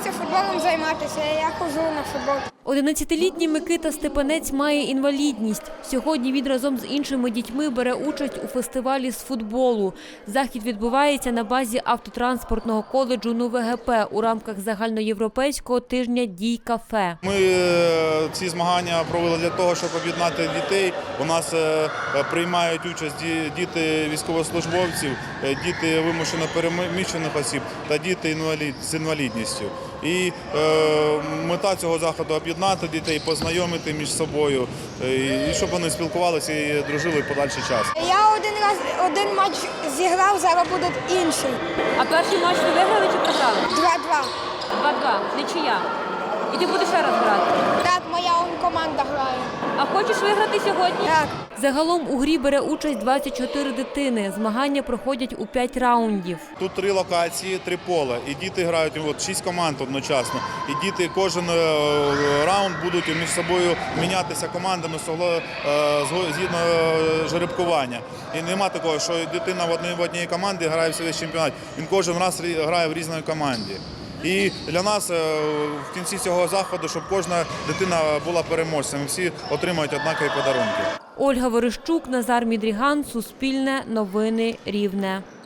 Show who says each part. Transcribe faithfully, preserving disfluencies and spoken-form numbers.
Speaker 1: хоче футболом займатися, я ходжу на футбол.
Speaker 2: одинадцятилітній Микита Степанець має інвалідність. Сьогодні він разом з іншими дітьми бере участь у фестивалі з футболу. Захід відбувається на базі автотранспортного коледжу НУВГП у рамках загальноєвропейського тижня дій-кафе.
Speaker 3: Ми ці змагання провели для того, щоб об'єднати дітей. У нас приймають участь діти військовослужбовців, діти вимушено переміщених осіб та діти з інвалідністю. І мета цього заходу – об'єднати дітей, познайомити між собою, і щоб вони спілкувалися і дружили подальший час.
Speaker 1: Я один раз один матч зіграв, зараз буде інший.
Speaker 2: А перший матч ви виграли чи програли?
Speaker 1: два-два.
Speaker 2: два-два. Нічия. І ти будеш ще раз грати?
Speaker 1: Так, моя он команда грає.
Speaker 2: А хочеш виграти сьогодні?
Speaker 1: Так.
Speaker 2: Загалом у грі бере участь двадцять чотири дитини. Змагання проходять у п'ять раундів.
Speaker 3: Тут три локації, три поля. І діти грають, от, шість команд одночасно. І діти кожен раунд будуть між собою мінятися командами згідно жеребкування. І нема такого, що дитина в одній, в одній команді грає в весь чемпіонат. Він кожен раз грає в різній команді. І для нас в кінці цього заходу, щоб кожна дитина була переможцем, всі отримають однакові подарунки.
Speaker 2: Ольга Верещук, Назар Мідріган, Суспільне, Новини Рівне.